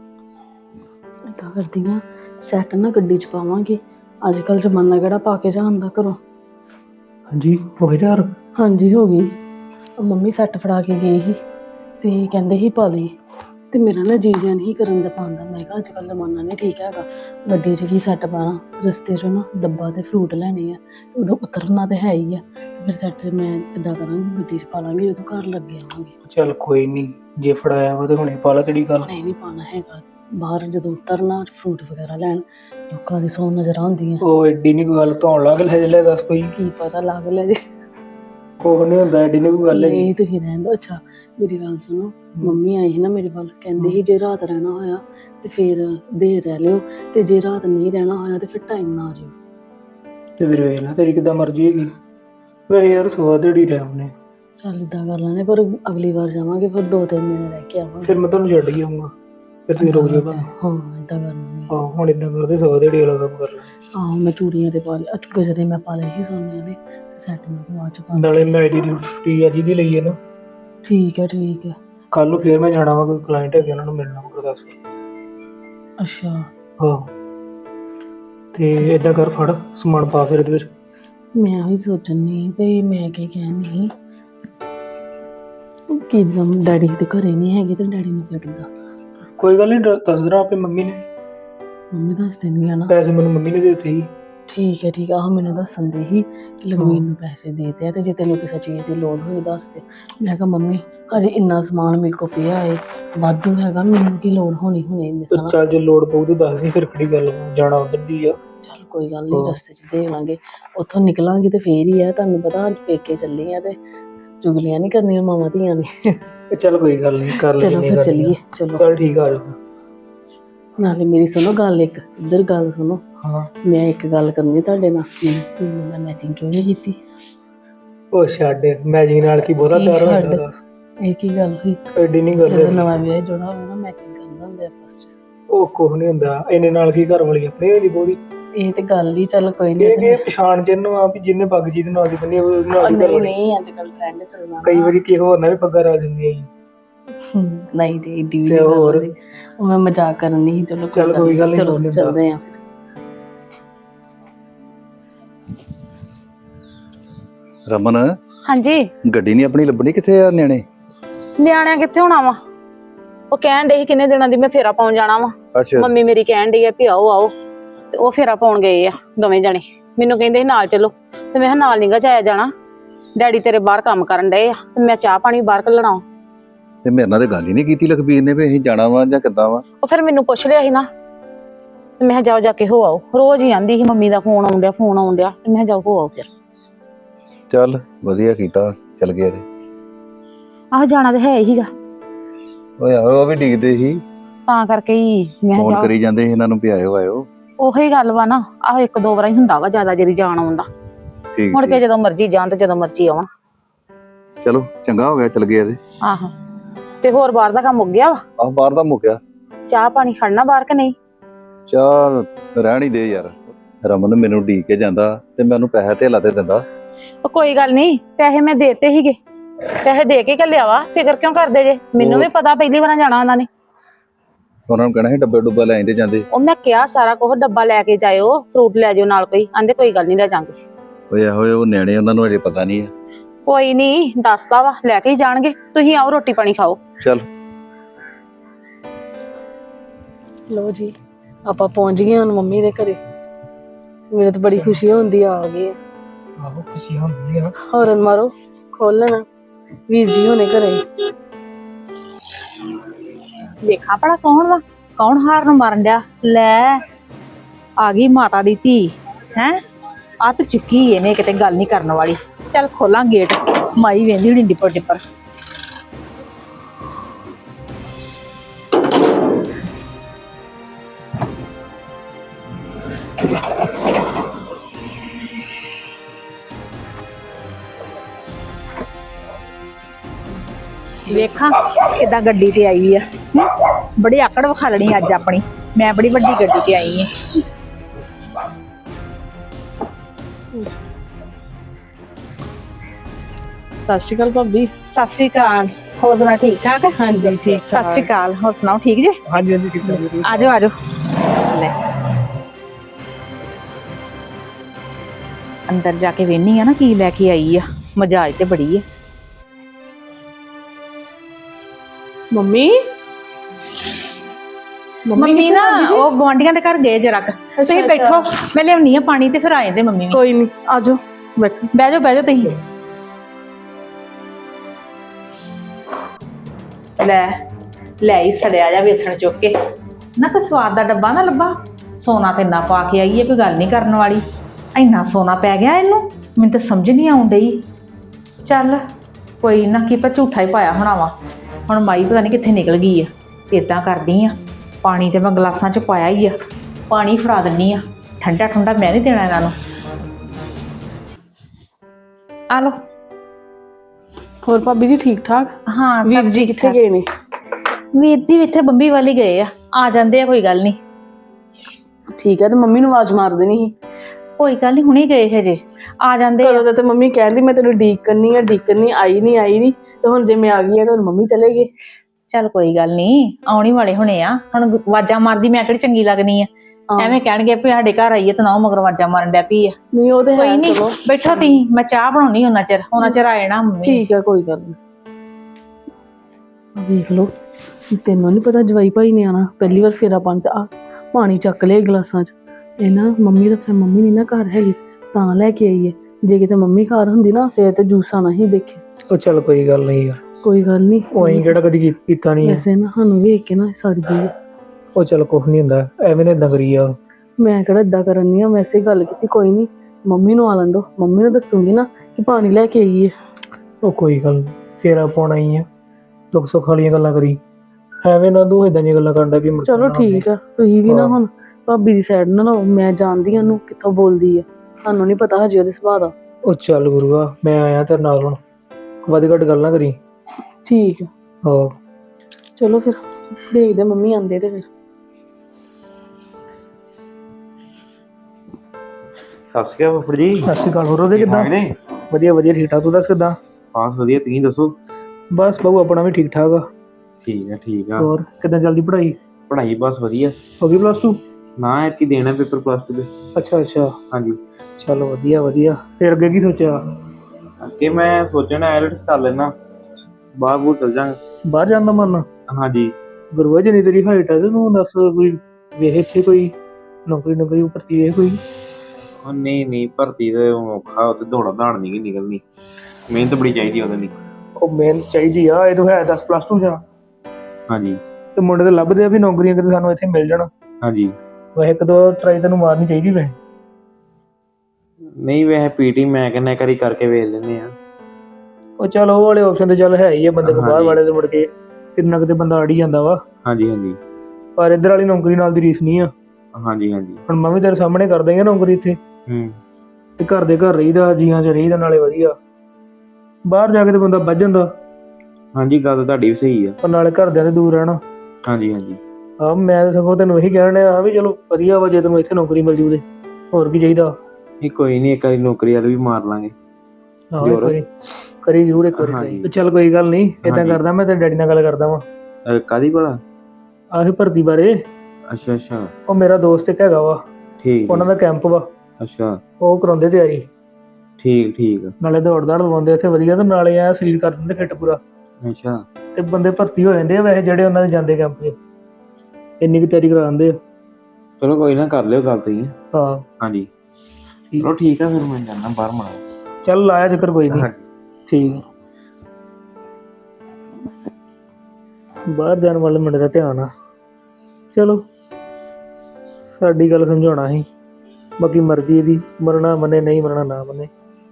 Speaker 4: ਇੱਦਾਂ ਕਰਦੀ ਆ ਸੈੱਟ ਨਾ ਗੱਡੀ 'ਚ ਪਾਵਾਂਗੇ, ਅੱਜ ਕੱਲ੍ਹ ਜ਼ਮਾਨਾ ਕਿਹੜਾ ਪਾ ਕੇ ਜਾਣ ਦਾ ਘਰੋਂ।
Speaker 6: ਹਾਂਜੀ ਹੋ ਗਏ ਤਿਆਰ?
Speaker 4: ਹਾਂਜੀ ਹੋ ਗਈ। ਮੰਮੀ ਸੈੱਟ ਫੜਾ ਕੇ ਗਈ ਸੀ ਤੇ ਕਹਿੰਦੇ ਸੀ ਪਾ ਲਈ, ਤੇ ਮੇਰਾ ਨਾ ਜੀ ਜਿਹਾ ਨਹੀਂ ਕਰਨ ਦਾ ਪਾਉਣ ਦਾ। ਮੈਂ ਕਿਹਾ ਅੱਜ ਕੱਲ੍ਹ ਜ਼ਮਾਨਾ ਨਹੀਂ ਠੀਕ ਹੈਗਾ, ਗੱਡੀ 'ਚ ਕੀ ਸੈੱਟ ਪਾਉਣਾ, ਰਸਤੇ 'ਚੋਂ ਨਾ ਡੱਬਾ ਤੇ ਫਰੂਟ ਲੈਣੇ ਆ, ਉਦੋਂ ਉਤਰਨਾ ਤਾਂ ਹੈ ਹੀ ਆ। ਫਿਰ ਸੈੱਟ ਮੈਂ ਇੱਦਾਂ ਕਰਾਂਗੀ ਗੱਡੀ 'ਚ ਪਾ ਲਾਂਗੇ ਜਦੋਂ ਘਰ ਲੱਗੇ ਆਵਾਂਗੇ।
Speaker 6: ਚੱਲ ਕੋਈ ਨਹੀਂ, ਜੇ ਫੜਾਇਆ ਵਾ ਤੇ ਹੁਣੇ ਪਾ ਲਾ, ਕਿਹੜੀ ਗੱਲ।
Speaker 4: ਹੁਣ ਇਹ ਨਹੀਂ ਪਾਉਣਾ ਹੈਗਾ, ਬਾਹਰ ਜਦੋਂ ਉਤਰਨਾ ਫਰੂਟ ਵਗੈਰਾ ਲੈਣ ਲੋਕਾਂ ਦੀ ਸੌ ਨਜ਼ਰਾਂ ਹੁੰਦੀਆਂ।
Speaker 6: ਉਹ ਐਡੀ ਨਹੀਂ ਕੋਈ ਗੱਲ, ਧੌਣ ਲਾ ਕੇ ਲੈ ਲੈ ਦੱਸ ਕੋਈ।
Speaker 4: ਕੀ ਪਤਾ ਲੱਗ ਲੈ ਜੇ
Speaker 6: ਕੁਛ ਨਹੀਂ ਹੁੰਦਾ, ਐਡੀ ਨਹੀਂ ਕੋਈ ਗੱਲ ਹੈਗੀ।
Speaker 4: ਨਹੀਂ ਤੁਸੀਂ ਰਹਿਣ ਦਿਓ। ਅੱਛਾ ਮੇਰੀ ਗੱਲ ਸੁਣੋ, ਮੰਮੀ ਆਈ ਸੀ ਨਾ ਮੇਰੇ ਵੱਲ, ਕਹਿੰਦੇ ਸੀ ਜੇ ਰਾਤ ਰਹਿਣਾ ਹੋਇਆ ਤੇ ਫਿਰ ਦੇਰ ਰਹਿ ਲਿਓ, ਤੇ ਜੇ ਰਾਤ ਨਹੀਂ ਰਹਿਣਾ ਹੋਇਆ ਤੇ ਫਿਰ ਟਾਈਮ ਨਾਲ ਆ ਜਿਓ।
Speaker 6: ਤੇ ਫਿਰ ਵੇਖ ਲਾ ਤੇਰੀ ਕਿੱਦਾਂ ਮਰਜ਼ੀ ਹੈਗੀ, ਵੈਸੇ ਯਾਰ ਸਵਾ ਦਿਹਾੜੀ ਲੈ ਆਉਨੇ।
Speaker 4: ਚੱਲ ਇੱਦਾਂ ਕਰ ਲੈਣੇ, ਪਰ ਅਗਲੀ ਵਾਰ ਜਾਵਾਂਗੇ ਫਿਰ ਦੋ ਤਿੰਨ ਦਿਨ ਰਹਿ ਕੇ ਆਵਾਂਗੇ।
Speaker 6: ਫਿਰ ਮੈਂ ਤੁਹਾਨੂੰ ਛੱਡ ਹੀ ਆਊਂਗਾ, ਫਿਰ ਤੁਸੀਂ ਰੁਕ ਜਾਓ ਭਾਵੇਂ।
Speaker 4: ਹਾਂ ਇੱਦਾਂ ਕਰ ਲਾਂਗੇ।
Speaker 6: ਆਹੋ ਹੁਣ ਇੱਦਾਂ ਕਰਦੇ, ਸਵਾ ਦਿਹਾੜੀ ਵਾਲਾ ਕੰਮ ਕਰ ਲੈ।
Speaker 4: ਆਹੋ ਮੈਂ ਚੂੜੀਆਂ ਤੇ ਪਾ ਲਈ, ਅੱਛ ਗਜਰੇ ਮੈਂ ਪਾ ਲਏ ਸੀ ਸੋਨੇ ਵਾਲੇ, ਸੈੱਟ ਮੈਂ ਬਾਅਦ ਚ ਪਾ।
Speaker 6: ਨਾਲੇ ਮੈਰੀ ਦੀ ਛੁੱਟੀ ਅੱਜ ਦੀ ਲਈ ਹੈ ਨਾ।
Speaker 4: ਠੀਕ ਹੈ ਠੀਕ ਹੈ।
Speaker 6: ਕੱਲ ਨੂੰ ਫਿਰ ਮੈਂ ਜਾਣਾ ਵਾ, ਕੋਈ ਕਲਾਇੰਟ ਹੈਗੇ ਉਹਨਾਂ ਨੂੰ ਮਿਲਣਾ ਵਾ ਗੁਰਦਾਸਪੁਰ।
Speaker 4: ਅੱਛਾ
Speaker 6: ਹਾਂ ਤੇ ਏਦਾਂ ਕਰ, ਫੜ ਸਮਾਨ ਪਾ ਫਿਰ ਇਹਦੇ ਵਿੱਚ।
Speaker 4: ਮੈਂ ਉਹੀ ਸੋਚਣੀ ਤੇ ਮੈਂ ਕੀ ਕਹਿਣੀ ਕਿ ਡੈਡੀ ਤੇ ਘਰੇ ਨਹੀਂ ਹੈਗੇ, ਤੇ ਡੈਡੀ ਨੂੰ ਫਿਰ ਕਿੱਦਾਂ।
Speaker 6: ਕੋਈ ਗੱਲ ਨਹੀਂ, ਦੱਸ ਦੇਣਾ ਆਪੇ ਮੰਮੀ ਨੇ।
Speaker 4: ਮੰਮੀ ਦੱਸ ਦੇਣੀ ਆ ਨਾ।
Speaker 6: ਪੈਸੇ ਮੈਨੂੰ ਮੰਮੀ ਨੇ ਦੇ ਦਿੱਤੇ ਸੀ।
Speaker 4: ਠੀਕ ਹੈ ਠੀਕ ਆ। ਆਹ ਮੈਨੂੰ ਦੱਸਣ ਦੇ ਹੀ ਕਿ ਲਗਵੀਰ ਨੂੰ ਪੈਸੇ ਦੇ ਦਿੱਤੇ ਆ, ਤੇ ਜੇ ਤੈਨੂੰ ਕਿਸੇ ਚੀਜ਼ ਦੀ ਲੋੜ ਹੋਈ ਦੱਸ ਦੇ। ਮੈਂ ਕਿਹਾ ਮੰਮੀ ਹਜੇ ਇੰਨਾ ਸਮਾਨ ਮੇਰੇ ਕੋਲ ਪਿਆ ਏ, ਵਾਧੂ ਹੈਗਾ, ਮੈਨੂੰ ਕੀ ਲੋੜ ਹੋਣੀ ਹੁਣੇ ਇੰਨੇ
Speaker 6: ਤੇ
Speaker 4: ਸਾਰਾ।
Speaker 6: ਚੱਲ ਜੇ ਲੋੜ ਪਊ ਤਾਂ ਦੱਸ ਦੀ, ਫਿਰ ਕਿਹੜੀ ਗੱਲ ਵਾ, ਜਾਣਾ ਉਧਰ ਦੀ ਆ।
Speaker 4: ਚੱਲ ਕੋਈ ਗੱਲ ਨਹੀਂ, ਰਸਤੇ 'ਚ ਦੇ ਲਾਂਗੇ, ਉੱਥੋਂ ਨਿਕਲਾਂਗੇ ਤੇ ਫੇਰ ਹੀ ਆ। ਤੁਹਾਨੂੰ ਪਤਾ ਅੱਜ ਪੇਕੇ ਚੱਲੀ ਆ ਤੇ ਚੁਗਲੀਆਂ ਨਹੀਂ ਕਰਨੀਆਂ ਮਾਵਾਂ ਧੀਆਂ ਨੇ।
Speaker 6: ਚੱਲ ਕੋਈ ਗੱਲ ਨਹੀਂ, ਕਰ ਲੈ
Speaker 4: ਚਲੋ
Speaker 6: ਜਿੰਨੀ
Speaker 4: ਫਿਰ
Speaker 6: ਕਰਨੀ
Speaker 4: ਚੱਲੀਏ।
Speaker 6: ਆ।
Speaker 4: ਚਲੋ
Speaker 6: ਚੱਲ ਠੀਕ ਆ, ਆ ਜਾ।
Speaker 4: ਨਾਲੇ ਮੇਰੀ ਸੁਣੋ ਗੱਲ, ਇੱਕ ਇੱਧਰ ਗੱਲ ਸੁਣੋ।
Speaker 6: ਹਾਂ
Speaker 4: ਮੈਂ ਇੱਕ ਗੱਲ ਕਰਨੀ ਤੁਹਾਡੇ ਨਾਲ। ਤੁਸੀਂ ਮੈਂ ਮੈਚਿੰਗ ਕਿਉਂ ਨਹੀਂ ਕੀਤੀ?
Speaker 6: ਉਹ ਛੱਡ, ਮੈਚਿੰਗ ਨਾਲ ਕੀ ਬਹੁਤਾ
Speaker 4: ਕੀ
Speaker 6: ਪਿਆਰ ਹੋ
Speaker 4: ਛੱਡ?
Speaker 6: ਜਾਂਦਾ।
Speaker 4: ਇਹ ਕੀ ਗੱਲ ਹੋਈ?
Speaker 6: ਐਡੀ ਨਹੀਂ ਗੱਲ
Speaker 4: ਜਦੋਂ
Speaker 6: ਹੈਗੀ।
Speaker 4: ਨਵਾਂ ਵਿਆਹ ਜੋੜਾ ਹੋਵੇ ਨਾ ਮੈਚਿੰਗ ਕਰਨਾ ਹੁੰਦਾ ਆਪਸ 'ਚ।
Speaker 6: ਉਹ ਕੁਛ ਨਹੀਂ ਹੁੰਦਾ, ਇਹਨੇ ਨਾਲ ਕੀ ਘਰ ਵਾਲੀ ਆਪਣੀ ਹੋਈ ਦੀ ਬਹੁਤੀ।
Speaker 4: ਇਹ ਤੇ ਗੱਲ ਹੀ ਚੱਲ ਕੋਈ
Speaker 6: ਇਹ
Speaker 4: ਨਹੀਂ।
Speaker 6: ਕਿ ਪਛਾਣ ਚਿੰਨ੍ਹ ਆ ਵੀ ਜਿਹਨੇ ਪੱਗ ਜੀ ਦੇ ਨਾਲ ਦੀ ਬੰਨੀ ਉਹਦੇ ਨਾਲ ਦੀ ਘਰ
Speaker 4: ਨਹੀਂ
Speaker 6: ਵਾਲੀ।
Speaker 4: ਨਹੀਂ ਅੱਜ ਕੱਲ ਟ੍ਰੈਂਡ ਚੱਲਦਾ
Speaker 6: ਕਈ ਵਾਰੀ ਕਿਸੇ ਹੋਰ ਨਾਲ ਵੀ ਪੱਗਾਂ ਰਲ ਜਾਂਦੀਆਂ ਜੀ।
Speaker 4: ਨਹੀਂ ਤੇ ਏਡੀ ਵੀ
Speaker 6: ਤੇ
Speaker 4: ਗੱਲ
Speaker 6: ਹੋਰ?
Speaker 4: ਨਹੀਂ, ਉਹ ਮੈਂ ਮਜ਼ਾਕ ਕਰਨ ਨਹੀਂ ਸੀ। ਚਲੋ
Speaker 6: ਚੱਲ ਕੋਈ ਗੱਲ ਨੀ,
Speaker 4: ਚਲੋ
Speaker 6: ਕੋਈ ਨੀ
Speaker 4: ਚੱਲਦੇ ਆ।
Speaker 5: ਰਮਨ
Speaker 3: ਹਾਂਜੀ
Speaker 5: ਗੱਡੀ ਨਹੀਂ ਆਪਣੀ ਲੱਭਣੀ, ਕਿੱਥੇ ਆ ਨਿਆਣੇ?
Speaker 3: ਨਿਆਣਿਆਂ ਕਿੱਥੇ ਹੋਣਾ ਵਾ, ਉਹ ਕਹਿਣ ਡੇ ਸੀ ਕਿੰਨੇ ਦਿਨਾਂ ਦੀ ਮੈਂ ਫੇਰਾ ਪਾਉਣ ਜਾਣਾ ਵਾ।
Speaker 5: ਅੱਛਾ
Speaker 3: ਮੰਮੀ ਮੇਰੀ ਕਹਿਣ ਡਈ ਆ ਵੀ ਆਓ ਆਓ, ਤੇ ਉਹ ਫੇਰਾ ਪਾਉਣ ਗਏ ਆ ਦੋਵੇਂ ਜਣੇ। ਮੈਨੂੰ ਕਹਿੰਦੇ ਸੀ ਨਾਲ ਚਲੋ, ਤੇ ਮੈਂ ਕਿਹਾ ਨਾਲ ਨੀਗਾ ਜਾਇਆ ਜਾਣਾ, ਡੈਡੀ ਤੇਰੇ ਬਾਹਰ ਕੰਮ ਕਰਨ ਡਏ ਆ, ਤੇ ਮੈਂ ਚਾਹ ਪਾਣੀ ਬਾਹਰ ਘੱਲਣਾ।
Speaker 5: ਤੇ ਮੇਰੇ ਨਾਲ ਤੇ ਗੱਲ ਹੀ ਨਹੀਂ ਕੀਤੀ ਲਖਬੀਰ ਨੇ ਵੀ ਅਸੀਂ ਜਾਣਾ ਵਾ ਜਾਂ ਕਿੱਦਾਂ ਵਾ।
Speaker 3: ਉਹ ਫਿਰ ਮੈਨੂੰ ਪੁੱਛ ਲਿਆ ਸੀ ਨਾ, ਤੇ ਮੈਂ ਕਿਹਾ ਜਾਓ ਜਾ ਕੇ ਹੋ ਆਓ। ਰੋਜ਼ ਹੀ ਆਂਦੀ ਸੀ ਮੰਮੀ ਦਾ ਫੋਨ ਆਉਣ ਡਿਆ ਫੋਨ ਆਉਣ ਡਿਆ, ਤੇ ਮੈਂ ਕਿਹਾ ਜਾਓ ਹੋ ਆਓ ਫਿਰ।
Speaker 5: ਚੱਲ ਵਧੀਆ ਕੀਤਾ, ਚੱਲ ਗਿਆ ਤੇ।
Speaker 3: ਆਹ ਜਾਣਾ ਤੇ ਹੈ ਹੀਗਾ,
Speaker 5: ਓਏ ਆਹੋ ਉਹ ਵੀ ਡਿੱਗਦੇ ਸੀ,
Speaker 3: ਤਾਂ ਕਰਕੇ ਹੀ ਮੈਂ ਕਿਹਾ
Speaker 5: ਫੋਨ
Speaker 3: ਜਾਓ।
Speaker 5: ਕਰੀ ਜਾਂਦੇ ਸੀ ਇਹਨਾਂ ਨੂੰ ਵੀ ਆਇਓ ਆਇਓ।
Speaker 3: ਉਹੀ ਗੱਲ ਵਾ ਨਾ, ਆਹ ਇੱਕ ਦੋ ਵਾਰ ਹੀ ਹੁੰਦਾ ਵਾ ਜ਼ਿਆਦਾ ਜਿਹੜੀ ਜਾਣ ਆਉਂਦਾ।
Speaker 5: ਠੀਕ
Speaker 3: ਮੁੜ ਕੇ
Speaker 5: ਠੀਕ।
Speaker 3: ਜਦੋਂ ਮਰਜ਼ੀ ਜਾਣ ਤੇ ਜਦੋਂ ਮਰਜ਼ੀ ਆਉਣ।
Speaker 5: ਚਲੋ ਚੰਗਾ ਹੋ ਗਿਆ ਚੱਲ ਗਿਆ ਤੇ।
Speaker 3: ਆਹੋ ਤੇ ਹੋਰ ਬਾਹਰ ਦਾ ਕੰਮ ਮੁੱਕ ਗਿਆ ਵਾ?
Speaker 5: ਆਹ ਬਾਹਰ ਦਾ ਮੁੱਕਿਆ।
Speaker 3: ਚਾਹ ਪਾਣੀ ਖੜਨਾ ਬਾਹਰ ਕਿ ਨਹੀਂ?
Speaker 5: ਚੱਲ ਰਹਿਣ ਹੀ ਦੇ ਯਾਰ, ਰਮਨ ਮੈਨੂੰ ਢੀਕ ਕੇ ਜਾਂਦਾ ਤੇ ਮੈਂ ਉਹਨੂੰ ਪੈਸੇ ਧੇਲਾ ਤੇ ਦਿੰਦਾ।
Speaker 3: ਉਹ ਕੋਈ ਗੱਲ ਨਹੀਂ, ਪੈਸੇ ਮੈਂ ਦੇਤੇ ਸੀਗੇ, ਪੈਸੇ ਦੇ ਕੇ ਘੱਲਿਆ ਵਾ, ਫਿਕਰ ਕਿਉਂ ਕਰਦੇ ਜੇ? ਮੈਨੂੰ ਵੀ ਪਤਾ ਪਹਿਲੀ ਵਾਰ ਜਾਣਾ ਉਹਨਾਂ ਨੇ।
Speaker 5: ਉਹਨਾਂ ਨੂੰ ਕਹਿਣਾ ਸੀ ਡੱਬੇ ਡੁੱਬਾ ਲੈ ਆਂਦੇ ਜਾਂਦੇ।
Speaker 3: ਉਹ ਮੈਂ ਕਿਹਾ ਸਾਰਾ ਕੁਝ ਡੱਬਾ ਲੈ ਕੇ ਜਾਇਓ, ਫਰੂਟ ਲੈ ਜਾਓ ਨਾਲ ਕੋਈ। ਆਂਦੇ ਕੋਈ ਗੱਲ ਨਹੀਂ ਲੈ ਜਾਾਂਗੇ।
Speaker 5: ਓਏ ਇਹੋ ਉਹ ਨਿਆਣੇ, ਉਹਨਾਂ ਨੂੰ ਅਜੇ ਪਤਾ ਨਹੀਂ ਹੈ।
Speaker 3: ਕੋਈ ਨਹੀਂ, ਦੱਸਦਾ ਵਾ ਲੈ ਕੇ ਹੀ ਜਾਣਗੇ। ਤੁਸੀਂ ਆਓ ਰੋਟੀ ਪਾਣੀ ਖਾਓ।
Speaker 5: ਚੱਲ
Speaker 4: ਲੋ ਜੀ, ਆਪਾਂ ਪਹੁੰਚ ਗਏ ਹੁਣ ਮੰਮੀ ਦੇ ਘਰੇ। ਮੈਨੂੰ ਤਾਂ ਬੜੀ ਖੁਸ਼ੀ ਹੁੰਦੀ ਆ ਆ ਗਏ।
Speaker 6: ਆਹੋ ਖੁਸ਼ੀ ਹੁੰਦੀ ਆ।
Speaker 4: ਹੌਰਨ ਮਾਰੋ, ਖੋਲਣਾ। ਵੀਰ ਜੀ ਹੋਣੇ ਘਰੇ।
Speaker 7: ਵੇਖਾਂ ਭਲਾ ਕੌਣ ਵਾ, ਕੌਣ ਹਾਰਨ ਮਾਰਨ ਡਿਆ। ਲੈ ਆ ਗਈ ਮਾਤਾ ਦੀ ਧੀ ਹੈ। ਆ ਤਾਂ ਚੁੱਕੀ ਇਹਨੇ ਕਿਤੇ ਗੱਲ ਨਹੀਂ ਕਰਨ ਵਾਲੀ। ਚੱਲ ਖੋਲਾਂ ਗੇਟ, ਮਾਈ ਵੇਂਦੀ ਹੋਣੀ ਡਿੱਪਰ ਡਿੱਪਰ। ਵੇਖਾਂ ਕਿੱਦਾਂ ਗੱਡੀ ਤੇ ਆਈ ਆ। ਹਮ, ਬੜੀ ਆਕੜ ਵਿਖਾਲਣੀ ਅੱਜ ਆਪਣੀ। ਮੈਂ ਬੜੀ ਵੱਡੀ ਗੱਡੀ ਤੇ ਆਈ ਆ।
Speaker 4: ਸਤਿ ਸ਼੍ਰੀ ਅਕਾਲ ਭਾਬੀ।
Speaker 7: ਸਤਿ ਸ਼੍ਰੀ ਅਕਾਲ। ਹੋਰ ਸੁਣਾ ਠੀਕ ਠਾਕ?
Speaker 4: ਹਾਂਜੀ ਠੀਕ
Speaker 7: ਸਤਿ ਸ਼੍ਰੀ ਅਕਾਲ। ਹੋਰ ਸੁਣਾਓ ਠੀਕ ਜੇ?
Speaker 6: ਹਾਂਜੀ ਹਾਂਜੀ ਠੀਕ ਹੈ ਜੀ।
Speaker 7: ਆਜੋ ਆਜੋ। ਲੈ ਅੰਦਰ ਜਾ ਕੇ ਵੇਖਨੀ ਆ ਨਾ ਕੀ ਲੈ ਕੇ ਆਈ ਆ। ਮਜਾਜ ਤੇ ਬੜੀ ਆ।
Speaker 4: ਮੰਮੀ
Speaker 7: ਮੰਮੀ ਨਾ ਉਹ ਗਵਾਂਢੀਆਂ ਦੇ ਘਰ ਗਏ ਜਰਾ। ਤੁਸੀਂ ਬੈਠੋ, ਮੈਂ ਲਿਆਉਣੀ ਆ ਪਾਣੀ ਤੇ ਫਿਰ ਆ ਜਾਂਦੇ ਮੰਮੀ ਵੀ।
Speaker 4: ਕੋਈ ਨਹੀਂ, ਆਜੋ ਬੈਠੋ।
Speaker 7: ਬਹਿ ਜਾਓ ਬਹਿ ਜਾਓ ਤੁਸੀਂ। ਲੈ ਲੈ ਹੀ ਸੜਿਆ ਜਾ ਵੇਸਣ ਚੁੱਕ ਕੇ ਨਾ। ਕੋਈ ਸਵਾਦ ਦਾ ਡੱਬਾ ਨਾ ਲੱਭਾ। ਸੋਨਾ ਤੇ ਨਾ ਪਾ ਕੇ ਆਈ ਹੈ, ਕੋਈ ਗੱਲ ਨਹੀਂ ਕਰਨ ਵਾਲੀ। ਇੰਨਾ ਸੋਨਾ ਪੈ ਗਿਆ ਇਹਨੂੰ, ਮੈਨੂੰ ਤਾਂ ਸਮਝ ਨਹੀਂ ਆਉਣ ਡਈ। ਚੱਲ ਕੋਈ ਨਾ, ਕੀ ਪਤਾ ਝੂਠਾ ਹੀ ਪਾਇਆ ਹੋਣਾ ਵਾ। ਹੁਣ ਮਾਈ ਪਤਾ ਨਹੀਂ ਕਿੱਥੇ ਨਿਕਲ ਗਈ ਆ। ਇੱਦਾਂ ਕਰਦੀ ਆ, ਪਾਣੀ ਤੇ ਮੈਂ ਗਲਾਸਾਂ 'ਚ ਪਾਇਆ ਹੀ ਆ, ਪਾਣੀ ਫੜਾ ਦਿੰਨੀ ਆ। ਠੰਡਾ ਠੰਡਾ ਮੈਂ ਨਹੀਂ ਦੇਣਾ ਇਹਨਾਂ ਨੂੰ। ਆ ਲਓ।
Speaker 4: ਹੋਰ ਭਾਬੀ ਜੀ ਠੀਕ ਠਾਕ?
Speaker 7: ਹਾਂ
Speaker 4: ਵੀਰ
Speaker 7: ਸਭ
Speaker 4: ਜੀ
Speaker 7: ਠੀਕ
Speaker 4: ਕਿੱਥੇ
Speaker 7: ਠਾਕ।
Speaker 4: ਗਏ ਨੇ?
Speaker 7: ਵੀਰ ਜੀ ਇੱਥੇ ਬੰਬੀ ਵਾਲੀ ਗਏ ਆ, ਆ ਜਾਂਦੇ ਆ, ਕੋਈ ਗੱਲ ਨਹੀਂ।
Speaker 4: ਠੀਕ ਹੈ, ਤੇ ਮੰਮੀ ਨੂੰ ਆਵਾਜ਼ ਮਾਰ ਦੇਣੀ ਸੀ।
Speaker 7: ਕੋਈ ਗੱਲ ਨਹੀਂ, ਹੁਣੇ ਗਏ ਹਜੇ, ਆ ਜਾਂਦੇ ਆ।
Speaker 4: ਕਦੋਂ ਤੇ ਮੰਮੀ ਕਹਿੰਦੀ ਮੈਂ ਤੈਨੂੰ ਡੀਕ ਕਰਨੀ ਆ ਡੀਕ ਕਰਨੀ, ਆਈ ਨਹੀਂ ਆਈ ਨਹੀਂ। ਤੇ ਹੁਣ ਜੇ ਮੈਂ ਆ ਗਈ ਆ ਤਾਂ ਮੰਮੀ ਚਲੇ ਗਏ।
Speaker 7: ਚੱਲ ਕੋਈ ਗੱਲ ਨਹੀਂ, ਆਉਣੀ ਵਾਲੇ ਹੋਣੇ ਆ। ਹੁਣ ਆਵਾਜ਼ਾਂ ਮਾਰਦੀ ਮੈਂ ਕਿਹੜੀ ਚੰਗੀ ਲੱਗਣੀ ਆ। ਐਵੇਂ ਕਹਿਣਗੇ ਵੀ ਸਾਡੇ ਘਰ ਆਈਏ ਤਾਂ ਨਾ ਮਗਰ ਆਵਾਜ਼ਾਂ ਮਾਰਨ ਡੈ ਪਈ ਆ।
Speaker 4: ਨਹੀਂ ਉਹ ਤੇ
Speaker 7: ਕੋਈ
Speaker 4: ਹੈ,
Speaker 7: ਨਹੀਂ
Speaker 4: ਚਲੋ
Speaker 7: ਬੈਠੋ ਤੁਸੀਂ, ਮੈਂ ਚਾਹ ਬਣਾਉਣੀ ਉਹਨਾਂ ਚਿਰ। ਉਹਨਾਂ ਚਿਰ ਆ ਜਾਣਾ ਮੰਮੀ।
Speaker 4: ਠੀਕ ਹੈ, ਕੋਈ ਗੱਲ ਨਹੀਂ। ਵੇਖ ਲਓ, ਤੈਨੂੰ ਨਹੀਂ ਪਤਾ ਜਵਾਈ ਭਾਈ ਨੇ ਆਣਾ। ਪਹਿਲੀ ਵਾਰ ਫੇਰਾ ਪਾਣ ਤੇ ਆ ਪਾਣੀ ਚੱਕ ਲਿਆ ਗਲਾਸਾਂ 'ਚ। ਇਹ ਨਾ ਮੰਮੀ ਦਾ, ਫਿਰ ਮੰਮੀ ਨਹੀਂ ਨਾ ਘਰ ਹੈਗੀ ਤਾਂ ਲੈ ਕੇ ਆਈ ਹੈ। ਜੇ ਕਿਤੇ ਮੰਮੀ ਘਰ ਹੁੰਦੀ ਨਾ ਫੇਰ ਤੇ ਜੂਸਾ ਨਾ ਹੀ ਦੇਖੇ।
Speaker 6: ਉਹ ਚੱਲ ਕੋਈ ਗੱਲ ਨਹੀਂ ਯਾਰ,
Speaker 4: ਕੋਈ ਗੱਲ ਨਹੀਂ।
Speaker 6: ਉਹ ਅਸੀਂ ਕਿਹੜਾ ਕਦੀ ਕੀ- ਕੀਤਾ ਨਹੀਂ ਹੈ।
Speaker 4: ਵੈਸੇ ਨਾ ਸਾਨੂੰ ਵੇਖ ਕੇ ਨਾ ਸੜ ਗਈ।
Speaker 6: ਉਹ ਚੱਲ ਕੁਛ ਨਹੀਂ ਹੁੰਦਾ, ਐਵੇਂ ਨੇ ਏਦਾਂ ਕਰੀ ਆ।
Speaker 4: ਮੈਂ ਕਿਹੜਾ ਏਦਾਂ ਕਰਨੀ ਆ, ਵੈਸੇ ਗੱਲ ਕੀਤੀ। ਕੋਈ ਨਹੀਂ, ਮੰਮੀ ਨੂੰ ਆ ਲੈਣ ਦੋ। ਮੰਮੀ ਨੂੰ ਦੱਸੂਗੀ ਨਾ ਕਿ ਪਾਣੀ ਲੈ ਕੇ ਆਈ ਹੈ।
Speaker 6: ਉਹ ਕੋਈ ਗੱਲ ਨੀ, ਫੇਰਾ ਪਾਉਣਾ ਹੀ ਆ। ਦੁੱਖ ਸੁੱਖ ਵਾਲੀਆਂ ਗੱਲਾਂ ਕਰੀ, ਐਵੇਂ ਨਾ ਤੂੰ ਏਦਾਂ ਦੀਆਂ ਗੱਲਾਂ ਕਰਦਾ ਵੀ ਮੁੜ ਕੇ
Speaker 4: ਚਲੋ
Speaker 6: ਨਾ ਹੋਵੇ।
Speaker 4: ਠੀਕ ਆ, ਤੁਸੀਂ ਵੀ ਨਾ
Speaker 6: ਹਾਂ।
Speaker 4: ਹੁਣ ਭਾਬੀ ਦੀ ਸਾਈਡ ਨਾ ਲਓ। ਮੈਂ ਜਾਣਦੀ ਹਾਂ ਉਹਨੂੰ ਕਿੱਥੋਂ ਬੋਲਦੀ ਆ। ਤੁਹਾਨੂੰ ਨਹੀਂ ਪਤਾ ਹਜੇ ਉਹਦੇ ਸੁਭਾਅ ਦਾ।
Speaker 6: ਉਹ ਚੱਲ ਗੁਰੂਆ, ਮੈਂ ਆਇਆ ਤੇਰੇ ਨਾਲ, ਹੁਣ ਵੱਧ ਘੱਟ ਗੱਲ ਨਾ ਕਰੀ।
Speaker 4: ਠੀਕ ਆ,
Speaker 6: ਹਾਂ
Speaker 4: ਚਲੋ ਫਿਰ ਦੇਖਦੇ ਮੰਮੀ ਆਂਦੇ ਤੇ ਫਿਰ।
Speaker 8: ਸਤਿ ਸ਼੍ਰੀ ਅਕਾਲ ਫੁੱਫੜ ਜੀ।
Speaker 6: ਸਤਿ ਸ਼੍ਰੀ ਅਕਾਲ। ਹੋਰ ਉਹਦੇ ਕਿੱਦਾਂ?
Speaker 8: ਠੀਕ ਠਾਕ ਨੇ?
Speaker 6: ਵਧੀਆ ਵਧੀਆ ਠੀਕ ਠਾਕ। ਤੂੰ ਦੱਸ ਕਿੱਦਾਂ?
Speaker 8: ਬਸ ਵਧੀਆ, ਤੁਸੀਂ ਦੱਸੋ?
Speaker 6: ਬਸ ਬਾਬੂ ਆਪਣਾ ਵੀ ਠੀਕ ਠਾਕ ਆ।
Speaker 8: ਠੀਕ ਆ ਠੀਕ ਆ।
Speaker 6: ਹੋਰ ਕਿੱਦਾਂ ਚੱਲਦੀ ਪੜ੍ਹਾਈ?
Speaker 8: ਪੜ੍ਹਾਈ ਬਸ ਵਧੀਆ।
Speaker 6: ਹੋ ਗਈ ਪਲੱਸ ਟੂ?
Speaker 8: ਨਾ ਯਾਰ ਕੀ ਦੇਣਾ ਪੇਪਰ ਪਲੱਸ ਟੂ ਦੇ।
Speaker 6: ਅੱਛਾ ਅੱਛਾ,
Speaker 8: ਹਾਂਜੀ।
Speaker 6: ਚੱਲ ਵਧੀਆ ਵਧੀਆ। ਫਿਰ ਅੱਗੇ ਕੀ ਸੋਚਿਆ?
Speaker 8: ਅੱਗੇ ਮੈਂ ਸੋਚਣਾ ਆਇਲਟਸ ਕਰ ਲੈਣਾ, ਬਾਹਰ ਬੂਰ ਚਲ ਜਾਵਾਂਗਾ।
Speaker 6: ਬਾਹਰ ਜਾਣ ਦਾ ਮਨ?
Speaker 8: ਹਾਂਜੀ।
Speaker 6: ਗੁਰੂਆ ਜਿੰਨੀ ਤੇਰੀ ਹਾਈਟ ਆ, ਤੂੰ ਦੱਸ ਕੋਈ ਵੇਖ ਇੱਥੇ ਕੋਈ ਨੌਕਰੀ ਨੌਕਰੀ ਭਰਤੀ ਵੇਖ ਕੋਈ।
Speaker 8: ਉਹ ਨਹੀਂ ਨਹੀਂ, ਭਰਤੀ ਤੇ ਹੁਣ ਔਖਾ, ਉੱਥੇ ਦੌੜਾ ਦਾੜ ਨਹੀਂ ਗੀ ਨਿਕਲਣੀ। ਮਿਹਨਤ ਬੜੀ ਚਾਹੀਦੀ ਉਹਦੇ ਲਈ।
Speaker 6: ਉਹ ਮਿਹਨਤ ਚਾਹੀਦੀ ਆ, ਇਹ ਤਾਂ ਹੈ ਦਸ ਪਲੱਸ ਟੂ ਜਾਂ।
Speaker 8: ਹਾਂਜੀ
Speaker 6: ਤੇ ਮੁੰਡੇ ਤਾਂ ਲੱਭਦੇ ਆ ਵੀ ਨੌਕਰੀਆਂ ਕਿਤੇ ਸਾਨੂੰ ਇੱਥੇ ਮਿਲ ਜਾਣ।
Speaker 8: ਹਾਂਜੀ।
Speaker 6: ਵੈਸੇ ਇੱਕ ਦੋ ਟਰਾਈ ਤੈਨੂੰ ਮਾਰਨੀ ਚਾਹੀਦੀ ਵੈਸੇ।
Speaker 8: ਨਹੀਂ ਵੈਸੇ ਪੀਟੀ ਮੈਂ ਕਹਿੰਦਾ ਇੱਕ ਵਾਰੀ ਕਰਕੇ ਵੇਖ ਲੈਂਦੇ ਆ।
Speaker 6: ਉਹ ਚੱਲ ਉਹ ਵਾਲੇ ਆਪਸ਼ਨ ਤੇ ਚੱਲ ਹੈ ਹੀ ਆ ਬੰਦੇ ਕੋਲ, ਬਾਹਰ
Speaker 8: ਹਾਂਜੀ।
Speaker 6: ਵਾਲੇ ਤੇ ਮੁੜ ਕੇ ਕਿੰਨਾ ਕਿਤੇ ਬੰਦਾ ਅੜ ਹੀ ਜਾਂਦਾ ਵਾ।
Speaker 8: ਹਾਂਜੀ ਹਾਂਜੀ
Speaker 6: ਪਰ ਇੱਧਰ ਵਾਲੀ ਨੌਕਰੀ ਨਾਲ ਦੀ ਰੀਸ ਨਹੀਂ ਆ।
Speaker 8: ਹਾਂਜੀ ਹਾਂਜੀ।
Speaker 6: ਹੁਣ ਮੈਂ ਵੀ ਤੇਰੇ ਸਾਹਮਣੇ ਕਰ ਦਾਂਗਾ ਨੌਕਰੀ ਇੱਥੇ,
Speaker 8: ਹੂੰ।
Speaker 6: ਤੇ ਘਰ ਦੇ ਘਰ ਰਹੀਦਾ, ਜੀਆਂ ਚ ਰਹੀਦਾ, ਨਾਲੇ ਵਧੀਆ। ਬਾਹਰ ਜਾ ਕੇ ਤੇ ਬੰਦਾ ਵੱਜ ਜਾਂਦਾ,
Speaker 8: ਹਾਂਜੀ ਗੱਲ ਤਾਂ ਤੁਹਾਡੀ ਵੀ ਸਹੀ ਆ।
Speaker 6: ਪਰ ਨਾਲੇ ਘਰਦਿਆਂ ਦੇ ਦੂਰ ਰਹਿਣਾ।
Speaker 8: ਹਾਂਜੀ ਹਾਂਜੀ।
Speaker 6: ਹਾਂ ਮੈਂ ਤਾਂ ਸਗੋਂ ਤੈਨੂੰ ਇਹੀ ਕਹਿਣ ਡਿਆ ਵੀ ਚਲੋ ਵਧੀਆ ਵਾ ਜੇ ਤੈਨੂੰ ਇੱਥੇ ਨੌਕਰੀ ਮਿਲ ਜੂ ਤੇ ਹੋਰ ਕੀ ਚਾਹੀਦਾ।
Speaker 8: ਨਹੀਂ ਕੋਈ ਨਹੀਂ, ਇੱਕ ਵਾਰੀ ਨੌਕਰੀ ਵਾਲੇ ਵੀ ਮਾਰ ਲਾਂਗੇ।
Speaker 6: ਆਹੋ
Speaker 8: ਜ਼ਰੂਰ।
Speaker 6: ਇੱਕ ਵਾਰੀ ਕਰੀ ਜ਼ਰੂਰ ਇੱਕ ਵਾਰੀ
Speaker 8: ਹਾਂਜੀ।
Speaker 6: try। ਤੇ ਚੱਲ ਕੋਈ ਗੱਲ ਨਹੀਂ, ਏਦਾਂ
Speaker 8: ਹਾਂਜੀ।
Speaker 6: ਕਰਦਾ ਮੈਂ ਤੇਰੇ ਡੈਡੀ ਨਾਲ ਗੱਲ ਕਰਦਾ ਵਾਂ।
Speaker 8: ਅਹ ਕਾਹਦੀ ਭਲਾ?
Speaker 6: ਆਹੀ ਭਰਤੀ ਬਾਰੇ।
Speaker 8: ਅੱਛਾ ਅੱਛਾ
Speaker 6: ਉਹ ਮੇਰਾ ਦੋਸਤ ਇੱਕ ਹੈਗਾ ਵਾ,
Speaker 8: ਠੀਕ
Speaker 6: ਉਹਨਾਂ ਦਾ ਕੈਂਪ ਵਾ,
Speaker 8: ਅੱਛਾ
Speaker 6: ਉਹ ਕਰਾਉਂਦੇ ਤਿਆਰੀ।
Speaker 8: ਠੀਕ ਠੀਕ
Speaker 6: ਨਾਲੇ ਦੌੜ ਦਾੜ ਲਵਾਉਂਦੇ ਉੱਥੇ ਵਧੀਆ, ਤੇ ਨਾਲੇ ਆ ਸਰੀਰ ਕਰ ਦਿੰਦੇ ਫਿੱਟ ਪੂਰਾ,
Speaker 8: ਅੱਛਾ
Speaker 6: ਤੇ ਬੰਦੇ ਭਰਤੀ ਹੋ ਜਾਂਦੇ ਆ ਵੈਸੇ ਜਿਹੜੇ ਉਹਨਾਂ ਦੇ ਜਾਂਦੇ ਕੈਂਪ 'ਚ, ਇੰਨੀ ਕੁ ਤਿਆਰੀ ਕਰਾਉਂਦੇ ਆ।
Speaker 8: ਚਲੋ ਕੋਈ ਨਾ, ਕਰ ਲਿਓ ਗੱਲ ਤੁਸੀਂ।
Speaker 6: ਹਾਂ
Speaker 8: ਹਾਂਜੀ
Speaker 6: ਠੀਕ।
Speaker 8: ਚਲੋ ਠੀਕ ਆ, ਫਿਰ ਮੈਂ ਜਾਣਾ ਬਾਹਰ ਮਾੜਾ।
Speaker 6: ਚੱਲ ਲਾਇਆ ਚੱਕਰ ਕੋਈ ਨਹੀਂ। ਠੀਕ ਆ। ਬਾਹਰ ਜਾਣ ਵਾਲੇ ਮੁੰਡੇ ਦਾ ਧਿਆਨ ਆ। ਚਲੋ ਸਾਡੀ ਗੱਲ ਸਮਝਾਉਣਾ ਸੀ, ਬਾਕੀ ਮਰਜ਼ੀ ਇਹਦੀ, ਮਰਨਾ ਮੰਨੇ ਨਹੀਂ ਮਰਨਾ ਨਾ ਮੰਨੇ।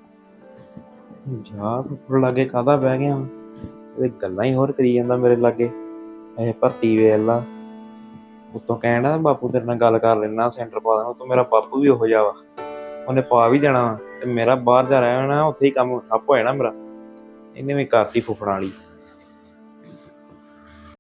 Speaker 8: ਜਾ ਫੁੱਫੜ ਲਾਗੇ ਕਾਹਦਾ ਬਹਿ ਗਿਆ ਵਾਂ? ਇਹ ਗੱਲਾਂ ਹੀ ਹੋਰ ਕਰੀ ਜਾਂਦਾ ਮੇਰੇ ਲਾਗੇ। ਇਹ ਭਰਤੀ ਵੇਖ ਲਾ, ਉੱਤੋਂ ਕਹਿਣਾ ਬਾਪੂ ਤੇਰੇ ਨਾਲ ਗੱਲ ਕਰ ਲੈਣਾ, ਸੈਂਟਰ ਪਾ ਦੇਣਾ। ਉੱਤੋਂ ਮੇਰਾ ਬਾਪੂ ਵੀ ਉਹੋ ਜਿਹਾ ਵਾ, ਉਹਨੇ ਪਾ ਵੀ ਦੇਣਾ ਵਾ, ਤੇ ਮੇਰਾ ਬਾਹਰ ਜਾ ਰਹਿਣਾ ਉੱਥੇ ਹੀ ਕੰਮ ਠੱਪ ਹੋ ਜਾਣਾ ਮੇਰਾ। ਇਹਨੇ ਵੀ ਕਰਤੀ ਫੁੱਫੜਾਂ ਵਾਲੀ।